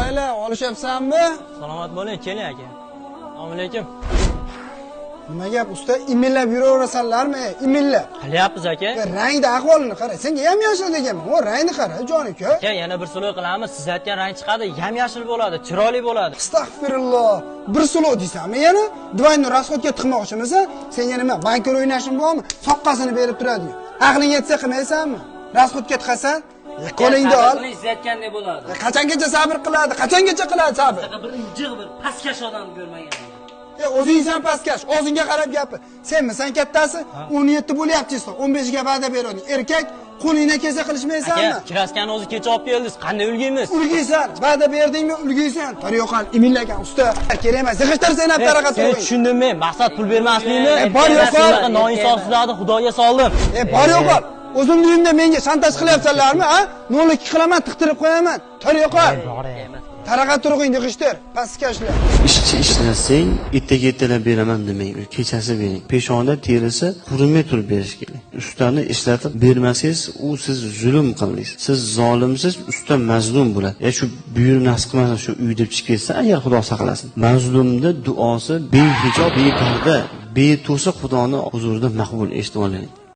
Qalaylar, olishyapsanmi? Salomat bo'ling, keling aka. Assalomu alaykum. Nima gap, usta imillab yuraverasanlarmi? Imillab. Qilyapmiz aka. Rangda ahvolini qara. Senga ham yashil deganman. O rangni qara, jon-uka. Aka, yana bir sulov qilamiz. Siz aytgan rang chiqadi, yam-yashil bo'ladi, chiroyli bo'ladi. Astagfirulloh. Bir sulov deysanmi yana? Divanni rasxodga tiqmoqchimisan? Senga nima, bankor o'ynashing bormi? Soqqasini berib turadi. Aqling yetsa qilmaysanmi? Rasxodga tiqasan? Qo'lingda ol. Izlayotgandek bo'ladi. Qachongacha sabr qiladi? Qachongacha qiladi sabr? Bir injiq bir pastkash odam ko'rmagan. O'zingsan pastkash, o'zingga qarab gapir. Senmisan kattasi? 17 bo'lyapsiz, 15 ga va'da berding. Erkak qo'lingdan kelsa qilishmaysanmi? Aka, kraskani o'zi kecha olib keldingiz. Qanday ulgiymiz? Ulgiysan, va'da berdingmi, ulgiysan. Taryoqan, imillagan usta. Kerak emas, zig'ishtir sen ham taraqa Sen to'g'ri. tushundim men. Maqsad pul bermaslikmi? bor yo'q, Sizlarga noinsofsizlarni Xudoga soldim. Bor yo'q. O'zimni uyimda menga shantaj qilyapsanlarmi, ha? 0-2 qilaman, tiqtirib qo'yaman. Taryoqan. Taraqa turg'ing, yig'ishtir, pastkashlar. Ishchi ishlasang, ertaga ertalab beraman demang, kechasi bering. Peshona terisi qurimay turib berish kerak. Ustani ishlatib bermasangiz, u siz zulm qildingiz. Siz zolimsiz, usta mazlum bo'ladi. Shu buyruq nasib qilmasa shu uyda chiqib ketsa, agar Xudo saqlasin. Mazlumda duosi behijob, beparda, beto'siq Xudoning huzurida maqbul eshitib oling.